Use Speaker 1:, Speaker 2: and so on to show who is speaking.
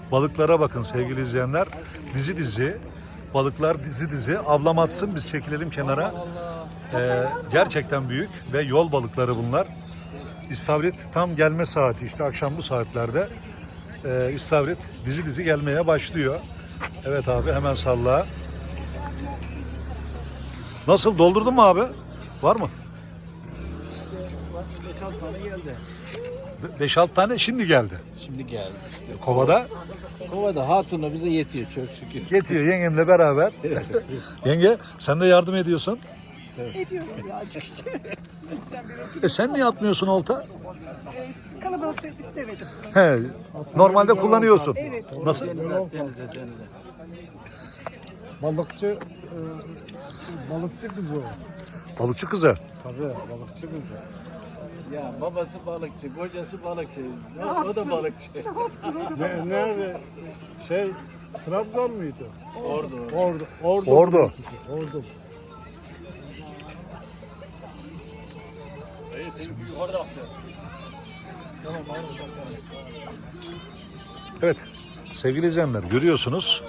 Speaker 1: Balıklara bakın sevgili izleyenler. Dizi dizi. Balıklar dizi dizi. Ablam atsın, biz çekilelim kenara. Gerçekten büyük ve yol balıkları bunlar. İstavrit tam gelme saati, işte akşam bu saatlerde İstavrit dizi dizi gelmeye başlıyor. Evet abi, hemen salla. Nasıl, doldurdun mu abi? Var mı?
Speaker 2: 5-6 tane geldi.
Speaker 1: 5-6 tane şimdi geldi.
Speaker 2: Şimdi geldi işte.
Speaker 1: Kovada
Speaker 2: Kovada hatunla bize yetiyor çok şükür.
Speaker 1: yetiyor yengemle beraber. Yenge, sen de yardım ediyorsun.
Speaker 3: Ediyorum birazcık işte.
Speaker 1: Sen niye atmıyorsun olta?
Speaker 3: Kalabalık istemedim.
Speaker 1: He, normalde kullanıyorsun.
Speaker 3: Evet.
Speaker 1: Nasıl?
Speaker 2: Denize.
Speaker 4: Balıkçı kızı.
Speaker 1: Balıkçı kızı.
Speaker 4: Tabii balıkçı kızı.
Speaker 2: Ya babası balıkçı, kocası balıkçı. O da balıkçı.
Speaker 4: Nerede? Trabzon muydu?
Speaker 2: Ordu.
Speaker 1: Ordu.
Speaker 4: Ordu.
Speaker 1: Evet sevgili izleyenler, görüyorsunuz.